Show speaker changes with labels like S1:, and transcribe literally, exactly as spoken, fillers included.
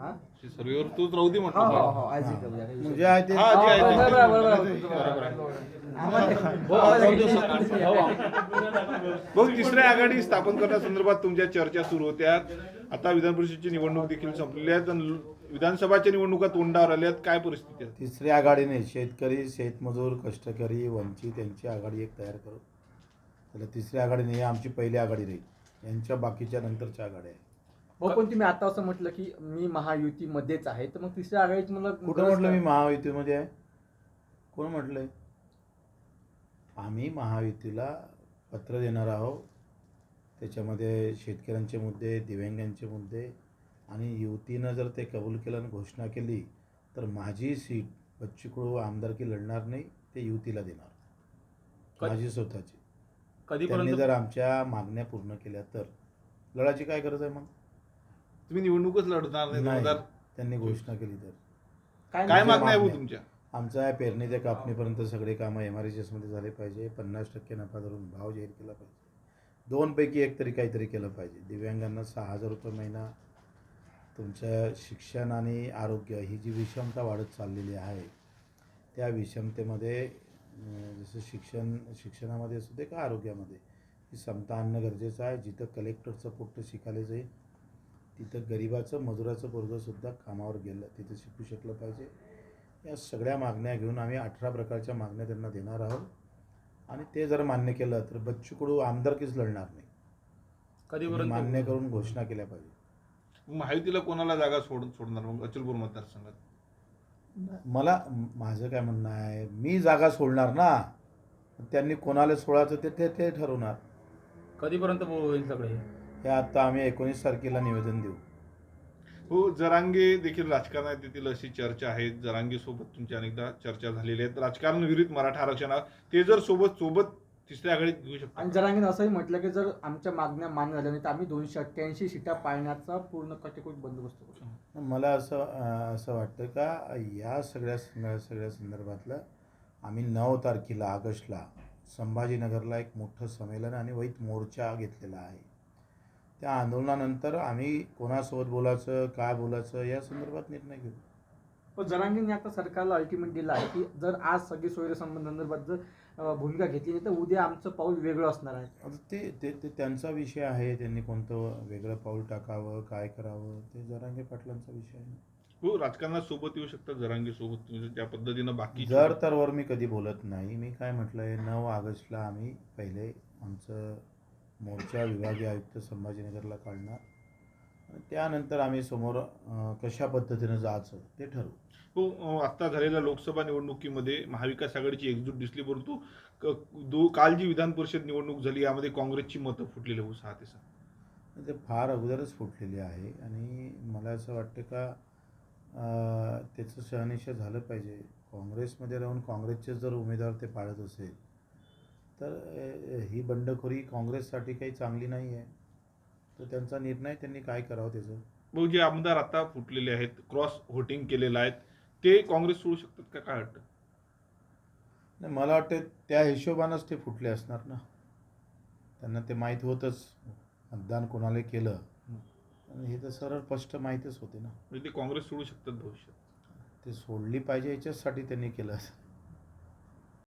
S1: सर्वेवर तूच राहू दे म्हटलं.
S2: हो हो हो आज
S3: म्हणजे आहे ते
S1: हा, जे आहे ते.
S2: बरोबर बरोबर
S1: भाऊ, तिसऱ्या आघाडी स्थापन करण्यासंदर्भात तुमच्या चर्चा सुरू होत्या. आता विधान परिषदेची निवडणूक देखील संपलेली आहे, तर विधानसभाच्या निवडणुका तोंडावर आल्यात. काय परिस्थिती आहे?
S3: तिसरी आघाडीने शेतकरी, शेतमजूर, कष्टकरी, वंचित यांची आघाडी एक तयार करू. त्याला तिसरी आघाडी नाही, आमची पहिली आघाडी राहील. यांच्या बाकीच्या नंतरच्या आघाड्या आहे.
S2: हो पण तुम्ही आता असं म्हटलं की मी महायुतीमध्येच आहे, तर मग तिसऱ्या आघाडीत मला
S3: कुठं म्हटलं मी महायुतीमध्ये आहे? कोण म्हटलंय? आम्ही महायुतीला पत्र देणार आहोत. त्याच्यामध्ये शेतकऱ्यांचे मुद्दे, दिव्यांगांचे मुद्दे आणि युतीनं जर ते कबूल केलं आणि घोषणा केली तर माझी सीट बच्चू कडू आमदारकी लढणार नाही, ते युतीला देणार, माझी स्वतःची. त्यांनी जर आमच्या मागण्या पूर्ण केल्या तर लढायची काय गरज आहे? मग
S1: तुम्ही निवडणूकच लढणार नाही दोन हजार
S3: त्यांनी घोषणा केली तर
S1: काय मागण्या आहे भाऊ तुमच्या?
S3: आमचं आहे पेरणी ते कापणीपर्यंत सगळे कामं एम आर एस मध्ये झाले पाहिजे. पन्नास टक्के नफा धरून भाव जाहीर केला पाहिजे. दोनपैकी एक तरी काहीतरी केलं पाहिजे. दिव्यांगांना सहा हजार रुपये महिना. तुमचं शिक्षण आणि आरोग्य ही जी विषमता वाढत चाललेली आहे, त्या विषमतेमध्ये जसं शिक्षण शिक्षणामध्ये असू दे का आरोग्यामध्ये ही समता आणणं गरजेचं आहे. जिथं कलेक्टरचं पोट्ट शिकायला जाईल तिथं गरिबाचं, मजुराचं पोरगंसुद्धा कामावर गेलं तिथं शिकू शकलं पाहिजे. या सगळ्या मागण्या घेऊन आम्ही अठरा प्रकारच्या मागण्या त्यांना देणार आहोत. आणि ते जर मान्य केलं तर बच्चू कडू आमदारकीच लढणार नाही. कधीपर्यंत मान्य करून घोषणा केल्या पाहिजे.
S1: महायुतीला कोणाला जागा सोड सोडणार मग अचलपूर मतदारसंघात?
S3: मला माझं काय म्हणणं आहे, मी जागा सोडणार ना, त्यांनी कोणाला सोडायचं ते ते ते ठरवणार.
S2: कधीपर्यंत होईल सगळे
S3: हे आता आम्ही एकोणीस तारखेला निवेदन देऊ.
S1: हो, जरांगे देखील राजकारणात येतील अशी चर्चा आहे. जरांगे सोबत तुमच्या अनेकदा चर्चा झालेली आहेत. राजकारण विरुद्ध मराठा आरक्षणावर ते जर सोबत सोबत तिसऱ्या आघाडीत घेऊ शकतात.
S2: आणि जरांगीने असंही म्हटलं की जर आमच्या मागण्या मान्य झाल्या नाही तर आम्ही दोनशे अठ्ठ्याऐंशी सीटा पाळण्याचा पूर्ण कटेकोट बंदोबस्त करू.
S3: मला असं असं वाटतं का या सगळ्या सगळ्या संदर्भातलं आम्ही नऊ तारखेला ऑगस्टला संभाजीनगरला एक मोठं संमेलन आणि वैत मोर्चा घेतलेला आहे. त्या आंदोलनानंतर आम्ही कोणासोबत बोलायचं, काय बोलायचं या संदर्भात निर्णय घेऊ.
S2: पण जरांगीने आता सरकारला अल्टिमेट दिला आहे की जर आज सगळी सोयीसंबंधांसंदर्भात जर भूमिका घेतली नाही तर उद्या आमचं पाऊल वेगळं असणार आहे.
S3: आता ते ते ते त्यांचा विषय आहे. त्यांनी कोणतं वेगळं पाऊल टाकावं, काय करावं, ते जरांगे पाटलांचा विषय आहे.
S1: हो, राजकारणात सोबत येऊ शकतात जरांगे सोबत ज्या पद्धतीनं बाकी
S3: जर तर वर मी कधी बोलत नाही. मी काय म्हटलंय, नऊ ऑगस्टला आम्ही पहिले आमचं मोर्चा विभागीय आयुक्त संभाजीनगरला काढणार आणि त्यानंतर आम्ही समोर कशा पद्धतीनं जायचं ते ठरवू.
S1: हो, आत्ता झालेल्या लोकसभा निवडणुकीमध्ये महाविकास आघाडीची एकजूट दिसली, परंतु दो काल जी विधान परिषद निवडणूक झाली यामध्ये काँग्रेसची मतं फुटलेली हो सहा ते सहा.
S3: ते फार अगोदरच फुटलेली आहे आणि मला असं वाटतं का त्याचं शहानिशा झालं पाहिजे. काँग्रेसमध्ये राहून काँग्रेसचे जर उमेदवार ते पाळत असेल तर ही बंडखोरी काँग्रेससाठी काही चांगली नाही आहे. तर त्यांचा निर्णय त्यांनी काय करावं त्याचं.
S1: भाऊ, जे आमदार आता फुटलेले आहेत, क्रॉस व्होटिंग केलेलं आहेत, ते काँग्रेस सोडू शकतात का? काय वाटतं?
S3: नाही, मला वाटतं त्या हिशोबानंच ते फुटले असणार ना. त्यांना ते माहीत होतंच मतदान कोणाला केलं आणि हे तर सरळ स्पष्ट माहीतच होते ना.
S1: म्हणजे ते काँग्रेस सोडू शकतात भविष्यात.
S3: ते सोडली पाहिजे याच्यासाठी त्यांनी केलं.